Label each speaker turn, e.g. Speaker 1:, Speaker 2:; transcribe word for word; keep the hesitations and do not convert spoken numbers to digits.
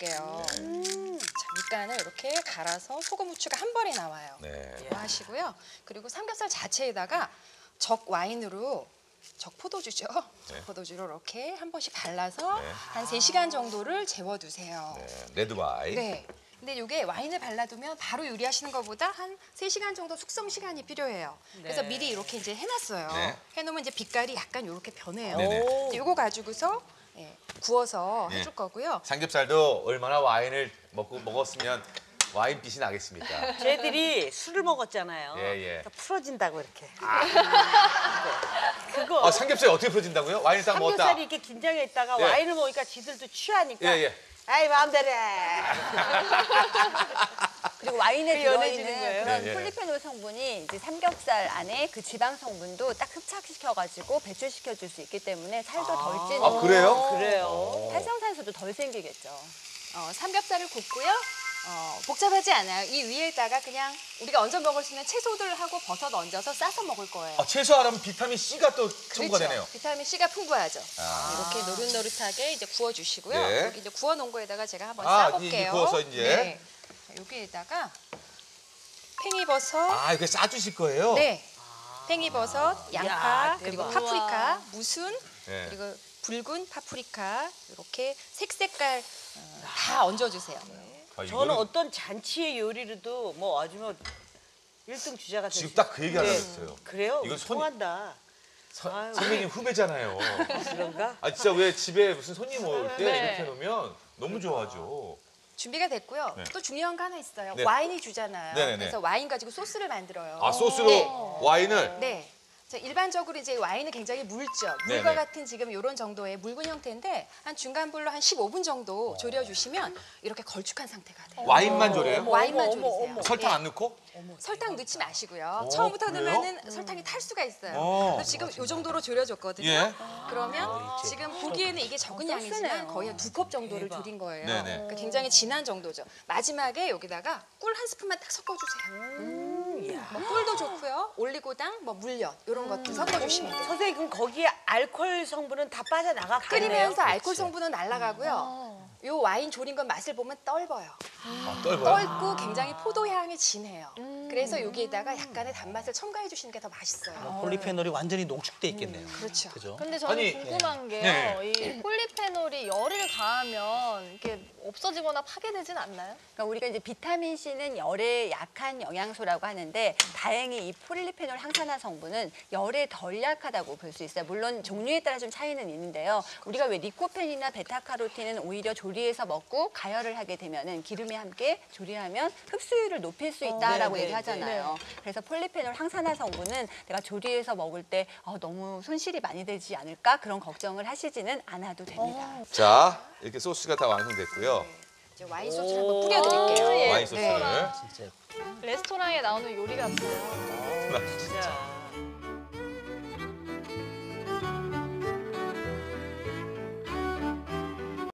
Speaker 1: 볼게요. 음. 자, 밑간을 이렇게 갈아서 소금, 후추가 한 번에 나와요.
Speaker 2: 네.
Speaker 1: 이거 하시고요. 그리고 삼겹살 자체에다가 적 와인으로 적 포도주죠.
Speaker 2: 네.
Speaker 1: 적 포도주로 이렇게 한 번씩 발라서
Speaker 2: 네.
Speaker 1: 한 세 시간 정도를 재워두세요.
Speaker 2: 네. 레드 와인.
Speaker 1: 네. 근데 이게 와인을 발라두면 바로 요리하시는 것보다 한 세 시간 정도 숙성 시간이 필요해요. 그래서
Speaker 3: 네.
Speaker 1: 미리 이렇게 이제 해놨어요.
Speaker 2: 네.
Speaker 1: 해놓으면 이제 빛깔이 약간 이렇게 변해요.
Speaker 2: 네네.
Speaker 1: 이거 가지고서 예, 구워서
Speaker 2: 네.
Speaker 1: 해줄 거고요.
Speaker 2: 삼겹살도 얼마나 와인을 먹고 먹었으면 와인 빛이 나겠습니까?
Speaker 3: 쟤들이 술을 먹었잖아요.
Speaker 2: 예, 예.
Speaker 3: 그러니까 풀어진다고 이렇게. 그거
Speaker 2: 아, 삼겹살이 어떻게 풀어진다고요? 와인을 딱 먹었다.
Speaker 3: 삼겹살이 이렇게 긴장해 있다가
Speaker 2: 예.
Speaker 3: 와인을 먹으니까 지들도 취하니까.
Speaker 2: 예, 예.
Speaker 3: 아이 마음대로 해.
Speaker 4: 그리고 와인에
Speaker 3: 그게 연해지는
Speaker 4: 들어있는
Speaker 3: 거예요?
Speaker 4: 그런
Speaker 2: 예, 예.
Speaker 4: 폴리페놀 성분이 이제 삼겹살 안에 그 지방 성분도 딱 흡착시켜가지고 배출시켜 줄 수 있기 때문에 살도 덜 찌는.
Speaker 2: 아, 그래요?
Speaker 3: 그래요.
Speaker 4: 활성산소도 덜 생기겠죠.
Speaker 1: 어, 삼겹살을 굽고요. 어, 복잡하지 않아요. 이 위에다가 그냥 우리가 얹어 먹을 수 있는 채소들하고 버섯 얹어서 싸서 먹을 거예요.
Speaker 2: 아, 채소하면 비타민 C가 또 첨부가
Speaker 1: 그렇죠.
Speaker 2: 되네요.
Speaker 1: 비타민 C가 풍부하죠.
Speaker 2: 아.
Speaker 1: 이렇게 노릇노릇하게 이제 구워주시고요.
Speaker 2: 네.
Speaker 1: 여기 이제 구워놓은 거에다가 제가 한번
Speaker 2: 아,
Speaker 1: 싸볼게요.
Speaker 2: 이제 구워서 이제.
Speaker 1: 네. 자, 여기에다가 팽이버섯,
Speaker 2: 아, 이렇게 싸주실 거예요?
Speaker 1: 네, 팽이버섯, 양파,
Speaker 3: 야,
Speaker 1: 그리고
Speaker 3: 대박.
Speaker 1: 파프리카, 무순,
Speaker 2: 네.
Speaker 1: 그리고 붉은 파프리카 이렇게 색색깔 어, 다 얹어주세요.
Speaker 2: 아,
Speaker 3: 저는
Speaker 2: 이거는
Speaker 3: 어떤 잔치의 요리로도 뭐 아주 뭐 일 등 주자가
Speaker 2: 지금
Speaker 3: 되시-
Speaker 2: 딱 그 얘기 하려고
Speaker 3: 네.
Speaker 2: 했어요.
Speaker 3: 그래요?
Speaker 2: 이건 손이-
Speaker 3: 통한다.
Speaker 2: 서-
Speaker 3: 아유.
Speaker 2: 선배님 후배잖아요.
Speaker 3: 그런가?
Speaker 2: 아, 진짜 왜 집에 무슨 손님 올 때
Speaker 4: 네.
Speaker 2: 이렇게 해놓으면 너무 좋아하죠.
Speaker 1: 준비가 됐고요.
Speaker 2: 네.
Speaker 1: 또 중요한 거 하나 있어요.
Speaker 2: 네.
Speaker 1: 와인이 주잖아요.
Speaker 2: 네네네.
Speaker 1: 그래서 와인 가지고 소스를 만들어요.
Speaker 2: 아, 소스로
Speaker 1: 네.
Speaker 2: 와인을?
Speaker 1: 네. 자, 일반적으로 이제 와인은 굉장히 묽죠. 물과
Speaker 2: 네네.
Speaker 1: 같은 지금 이런 정도의 묽은 형태인데 한 중간 불로 한 십오 분 정도 졸여주시면 이렇게 걸쭉한 상태가 돼요.
Speaker 2: 와인만 졸여요?
Speaker 1: 와인만
Speaker 3: 어머,
Speaker 1: 졸이세요.
Speaker 3: 어머.
Speaker 2: 설탕
Speaker 1: 네.
Speaker 2: 안 넣고?
Speaker 1: 설탕 넣지 마시고요.
Speaker 2: 어,
Speaker 1: 처음부터
Speaker 2: 그래요?
Speaker 1: 넣으면 설탕이 탈 수가 있어요.
Speaker 2: 어.
Speaker 1: 그래서 지금 이 정도로 졸여줬거든요.
Speaker 2: 예.
Speaker 1: 그러면 지금 보기에는 이게 적은
Speaker 4: 어,
Speaker 1: 양이지만
Speaker 4: 소스네요.
Speaker 1: 거의 한 두 컵 정도를
Speaker 3: 대박.
Speaker 1: 졸인 거예요.
Speaker 2: 네네.
Speaker 1: 그러니까 굉장히 진한 정도죠. 마지막에 여기다가 꿀 한 스푼만 딱 섞어주세요. 뭐 꿀도 좋고요. 올리고당, 뭐 물엿 이런 것들 섞어주시면 돼요.
Speaker 3: 선생님 그럼 거기에 알코올 성분은 다 빠져나갔겠네요.
Speaker 1: 끓이면서 알코올 성분은 날아가고요. 요 와인 졸인 건 맛을 보면 떫어요.
Speaker 2: 아, 떫어요?
Speaker 1: 떫고 굉장히 포도향이 진해요. 그래서 여기에다가 약간의 단맛을 첨가해 주시는 게 더 맛있어요.
Speaker 5: 폴리페놀이 완전히 농축돼 있겠네요.
Speaker 1: 그렇죠.
Speaker 5: 그죠?
Speaker 6: 근데 저는
Speaker 2: 아니,
Speaker 6: 궁금한 게요.
Speaker 2: 네.
Speaker 6: 이 폴리페놀이 열을 가하면 이게 없어지거나 파괴되진 않나요?
Speaker 4: 그러니까 우리가 이제 비타민 C는 열에 약한 영양소라고 하는데 다행히 이 폴리페놀 항산화 성분은 열에 덜 약하다고 볼 수 있어요. 물론 종류에 따라 좀 차이는 있는데요. 우리가 왜 리코펜이나 베타카로틴은 오히려 조리해서 먹고 가열을 하게 되면은 기름에 함께 조리하면 흡수율을 높일 수 있다라고
Speaker 3: 네, 네,
Speaker 4: 얘기하잖아요. 그래서 폴리페놀 항산화 성분은 내가 조리해서 먹을 때 어, 너무 손실이 많이 되지 않을까 그런 걱정을 하시지는 않아도 됩니다.
Speaker 2: 자, 이렇게 소스가 다 완성됐고요.
Speaker 1: 이제 와인 소스를 한번 뿌려드릴게요.
Speaker 6: 예.
Speaker 2: 와인 소스를.
Speaker 5: 진짜
Speaker 6: 레스토랑에 나오는 요리 같아요.
Speaker 3: 진짜.